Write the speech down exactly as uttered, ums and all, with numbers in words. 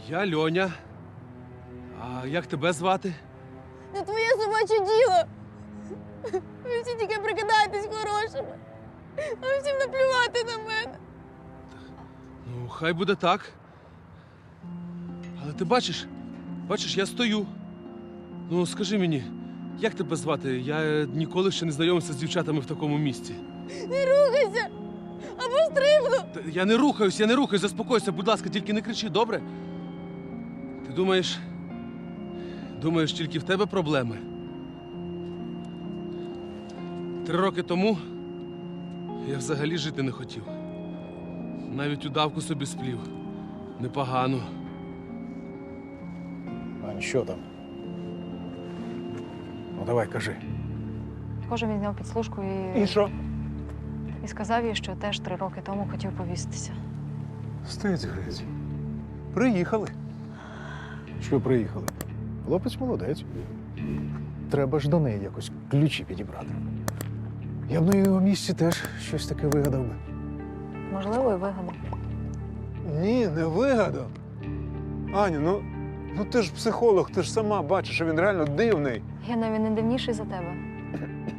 Я Льоня. А як тебе звати? Не твоє собаче діло. Ви всі тільки прикидаєтесь хорошими. А всім наплювати на мене. Ну, хай буде так. Але ти бачиш, бачиш, я стою. Ну, скажи мені, як тебе звати? Я ніколи ще не знайомився з дівчатами в такому місці. Не рухайся! Або стрибну! Та я не рухаюсь, я не рухаюсь, заспокойся, будь ласка, тільки не кричи, добре? Ти думаєш, думаєш, тільки в тебе проблеми? Три роки тому я взагалі жити не хотів. Навіть удавку собі сплів. Непогано. Ань, що там? Ну, давай, кажи. Схоже, він зняв підслужку і... І що? і сказав їй, що теж три роки тому хотів повіситися. Стець грець. Приїхали. Що приїхали? Хлопець молодець. Треба ж до неї якось ключі підібрати. Я б на його місці теж щось таке вигадав би. Можливо, і вигадав. Ні, не вигадав. Аню, ну, ну ти ж психолог, ти ж сама бачиш, що він реально дивний. Я навіть не дивніший за тебе.